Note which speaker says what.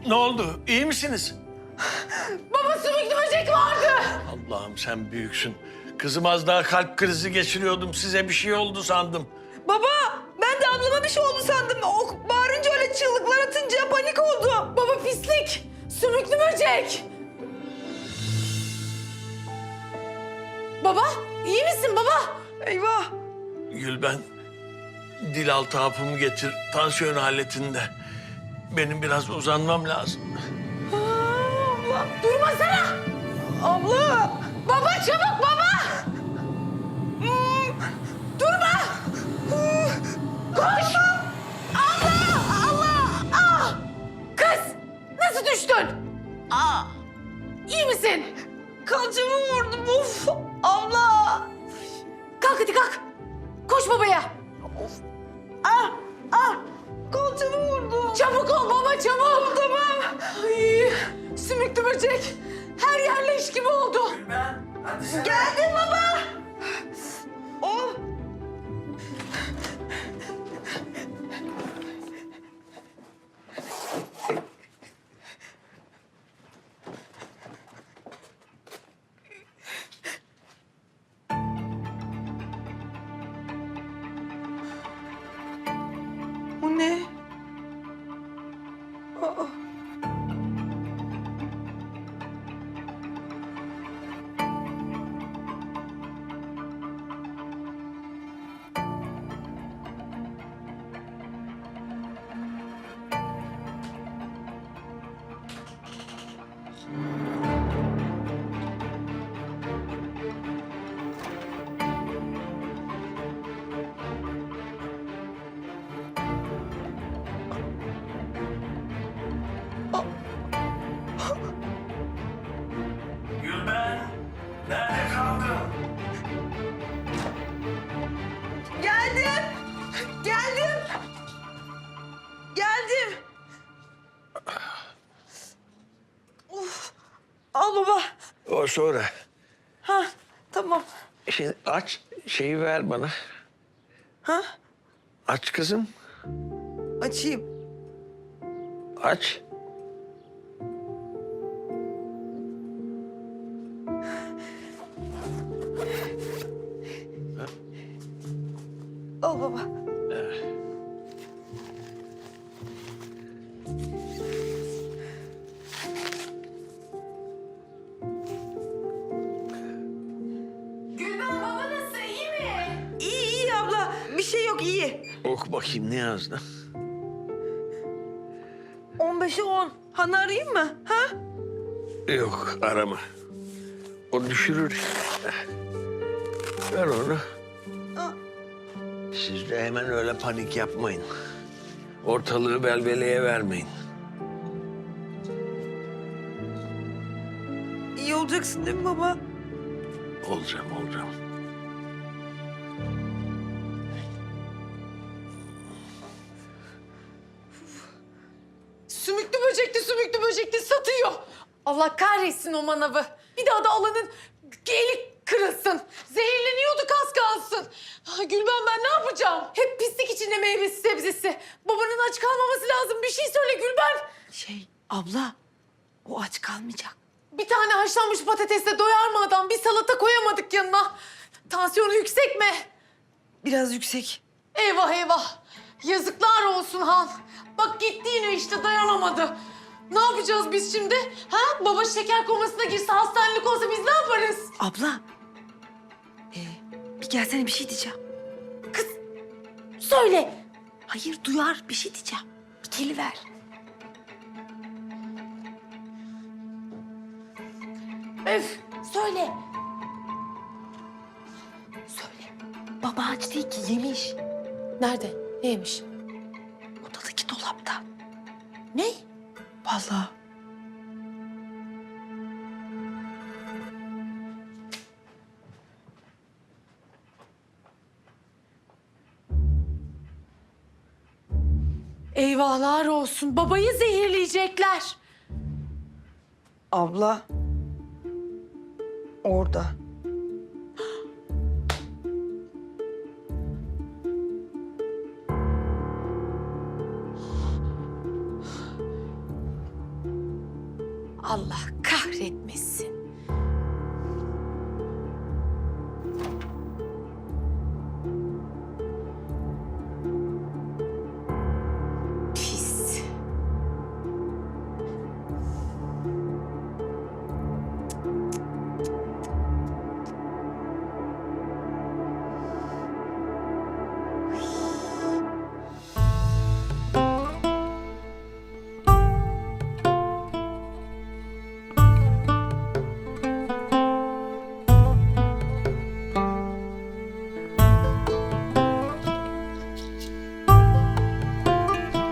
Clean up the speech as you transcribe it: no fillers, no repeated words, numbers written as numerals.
Speaker 1: Ne oldu? İyi misiniz?
Speaker 2: Baba sümüklü böcek vardı.
Speaker 1: Allah'ım sen büyüksün. Kızım az daha kalp krizi geçiriyordum. Size bir şey oldu sandım.
Speaker 3: Baba ben de ablama bir şey oldu sandım. O bağırınca öyle çığlıklar atınca panik oldum.
Speaker 2: Baba pislik. Sümüklü böcek. Baba iyi misin baba?
Speaker 3: Eyvah.
Speaker 1: Gülben, dil altı hapımı getir. Tansiyon aletinde. Benim biraz uzanmam lazım.
Speaker 3: Abla.
Speaker 2: Durmasana.
Speaker 3: Abla.
Speaker 2: Baba çabuk baba. Durma. Koş. Allah Allah. Ah. Kız nasıl düştün? İyi misin?
Speaker 3: Kalçamı vurdum of. Abla.
Speaker 2: Kalk hadi kalk. Koş babaya.
Speaker 3: Kalçamı vurdum.
Speaker 2: Çabuk ol baba çabuk. Tamam. Ay, sümüklü böcek. Her yer leş gibi oldu.
Speaker 3: Geldim baba. Oh. Bu ne? Aa.
Speaker 1: Gülben, nerede kaldın?
Speaker 3: Geldim. Geldim. Geldim. Of. Al baba.
Speaker 1: O sonra.
Speaker 3: Ha tamam.
Speaker 1: Şimdi aç, şeyi ver bana.
Speaker 3: Ha
Speaker 1: Aç kızım,
Speaker 3: açayım.
Speaker 1: aç.
Speaker 3: Al baba.
Speaker 2: Gülben baba nasıl iyi mi?
Speaker 3: İyi iyi abla. Bir şey yok iyi.
Speaker 1: Oku bakayım ne yazdı?
Speaker 3: 15'e 10. Hanı arayayım mı? Ha?
Speaker 1: Yok, arama. O düşürür. Ver onu.
Speaker 3: Aa.
Speaker 1: Siz de hemen öyle panik yapmayın. Ortalığı velveleye vermeyin.
Speaker 3: İyi olacaksın değil mi baba?
Speaker 1: Olacağım, olacağım.
Speaker 2: Sümüklü böcekli satıyor. Allah kahretsin o manavı. Bir daha da alanın eli kırılsın. Zehirleniyorduk az kalsın. Ay Gülben ben ne yapacağım? Hep pislik içinde meyvesi sebzesi. Babanın aç kalmaması lazım. Bir şey söyle Gülben.
Speaker 3: Abla o aç kalmayacak.
Speaker 2: Bir tane haşlanmış patatesle doyar mı adam? Bir salata koyamadık yanına. Tansiyonu yüksek mi?
Speaker 3: Biraz yüksek.
Speaker 2: Eyvah eyvah. Yazıklar olsun Han. Bak gitti yine işte dayanamadı. Ne yapacağız biz şimdi? Ha? Baba şeker komasına girse hastanelik olsa biz ne yaparız?
Speaker 3: Abla. Bir gelsene bir şey diyeceğim.
Speaker 2: Söyle.
Speaker 3: Hayır duyar bir şey diyeceğim. Bir geliver.
Speaker 2: Öf. Söyle.
Speaker 3: Söyle. Baba aç değil ki yemiş.
Speaker 2: Nerede? Neymiş?
Speaker 3: Odadaki dolapta.
Speaker 2: Ne?
Speaker 3: Vallahi.
Speaker 2: Eyvahlar olsun. Babayı zehirleyecekler.
Speaker 3: Abla. Orada.
Speaker 2: Allah kahretmesin.